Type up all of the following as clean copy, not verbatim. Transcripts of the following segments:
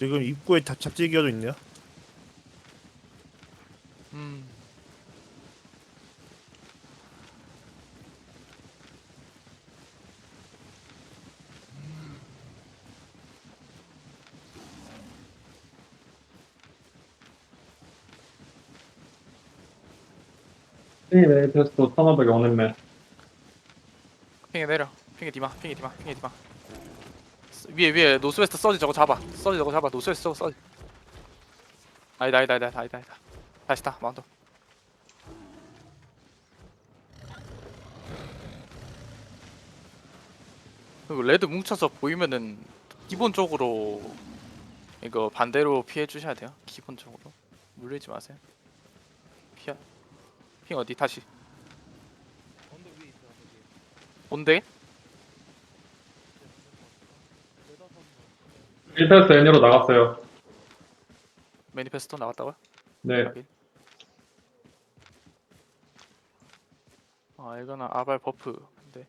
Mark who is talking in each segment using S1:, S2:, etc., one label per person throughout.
S1: 지금 입구에 잡지기어도 있네요.
S2: 네, 그래서 1500 오는데
S3: 핑에 내려. 핑에 디마. 위에 노스웨스트 서지 저거 잡아. 노스웨스트 저거 서지. 아니다. 다시 타 마운트. 그리고 레드 뭉쳐서 보이면은 기본적으로 이거 반대로 피해 주셔야 돼요. 기본적으로 물리지 마세요. 핑 어디 다시. 온대?
S2: 1패스 N으로 나갔어요.
S3: 매니페스토 나갔다고요?
S2: 네.
S3: 확인. 아 이거는 아발 버프인데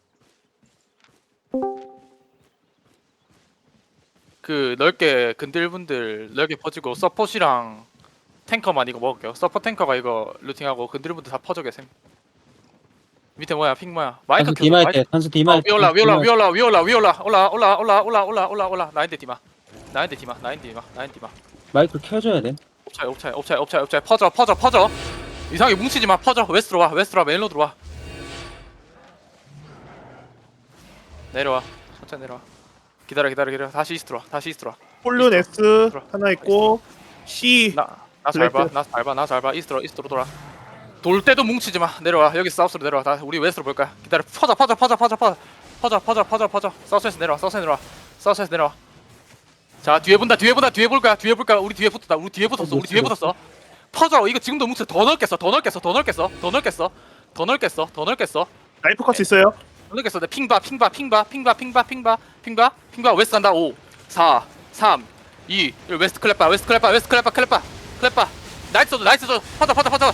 S3: 그 넓게 근딜분들 넓게 퍼지고 서폿이랑 탱커만 이거 먹을게요. 서폿 탱커가 이거 루팅하고 근딜분들 다 퍼져 계셈. 밑에 뭐야 핑 뭐야 마이크
S4: 선수
S3: 켜줘.
S4: 디마일
S3: 마이크.
S4: 때 선수 디마일 때
S3: 위올라 올라 나인데 디마
S4: 마이크 켜줘야 돼.
S3: 옵차이 퍼져 이상하게 뭉치지마 퍼져 웨스트로 와 메인로드로 와 내려와 천천히 내려와 기다려 다시 이스트로 와
S1: 폴룬 S 하나 있고 C
S3: 나 잘 봐 이스트로 돌아 돌 때도 뭉치지마 내려와 여기 사우스로 내려와 다 우리 웨스트로 볼 거야 기다려 퍼져 사우스에서 내려와 자 뒤에 볼 거야 우리 뒤에 붙었어 퍼져 이거 지금도 뭉쳐 더 넓겠어
S1: 라이프 컷 있어요.
S3: 내 핑봐 웨스트 한다 5 4 3 2 1 웨스트 클랩바 나이스 퍼져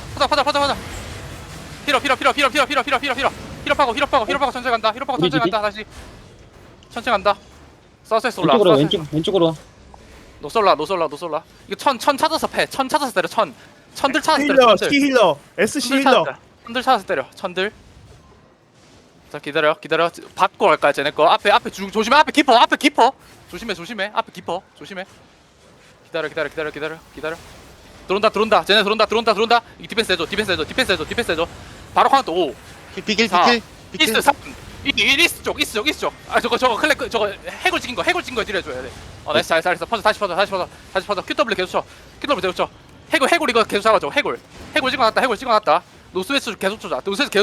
S3: 힐업 파고 천천히 간다 다시 천천히 간다 서스에스 올라
S4: 왼쪽으로 와.
S3: 노솔라 이거 천 찾아서 때려 천들 찾아서 때려
S1: 힐러, C 힐러, S C 힐러.
S3: 천들 찾아서 때려 천들 자 기다려 받고 갈까 쟤네 거 앞에 조심해 앞에 깊어 조심해 앞에 깊어 조심해 기다려 들어온다 쟤네 들어온다 이 디펜스 해줘 바로 카운트 5
S5: 비킬
S3: 자,
S5: 비킬
S3: 이스트 3 이스트 쪽 아 저거 클렉 저거 해골 찍은 거 딜해줘야 돼 나이스 잘했어 다시 퍼져 QW 계속 쳐 해골 이거 계속 잡아줘 해골 찍어놨다 노스웨스트 계속 쫓아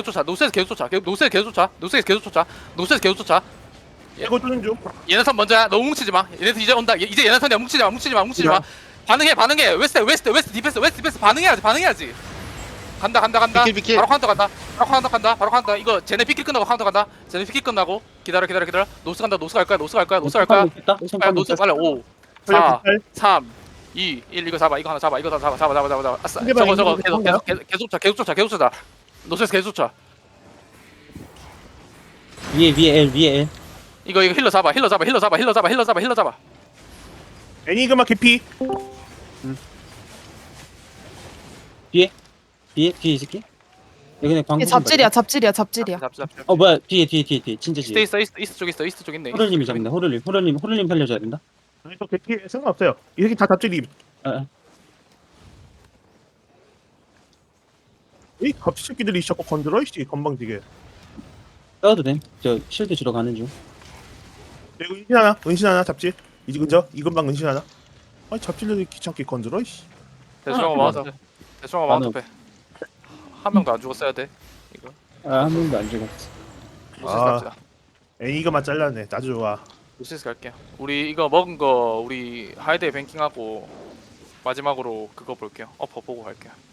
S1: 이거 뚫는 중.
S3: 얘네 선 먼저야 너무 뭉치지 마 얘네 이제 온다 이제 얘네 선이야 뭉치지 마 반응해 웨스트 디펜스 반응해야지 간다
S5: 비킬.
S3: 바로 카운터 간다 이거 쟤네 피킬 끝나고 카운터 간다 쟤네 피킬 끝나고 기다려 노스 갈 거야 노스 빨리 5 4 3 2 1 이거 잡아 이거 잡아 아싸 저거 계속 쫓아 노스에서 계속 쫓아
S4: 위에 L.
S3: 이거 힐러 잡아
S1: 애니그마 개피.
S4: 뒤에 이 새끼. 여기 그냥 방금.
S6: 이게 잡질이야.
S3: 잡지
S4: 뭐야 뒤에 진짜 뒤에.
S3: 이스트 쪽 있네
S4: 호를님이 잡는다. 호를님 살려줘야 된다.
S1: 아니, 저 개피 상관없어요. 이 새끼 다 잡질이.
S4: 아.
S1: 이 갑질 새끼들이 자꾸 건드려 이씨 건방지게.
S4: 싸워도 돼. 저 실드 주러 가는 중.
S1: 그리고 은신 하나 잡질. 이제 그죠? 이건방 은신 하나. 아니 잡질들이 귀찮게 건드려 이씨.
S3: 대충 맞아 마운트 빼한 명도 안 죽었어야 돼 이거
S4: 한 명도 안 죽었어.
S3: 노스에서
S1: 아.
S3: 갑시다
S1: 애니그마 잘랐네. 아주 좋아.
S3: 노스에서 갈게요 우리 이거 먹은 거 우리 하이드에 뱅킹하고 마지막으로 그거 볼게요 어퍼 보고 갈게요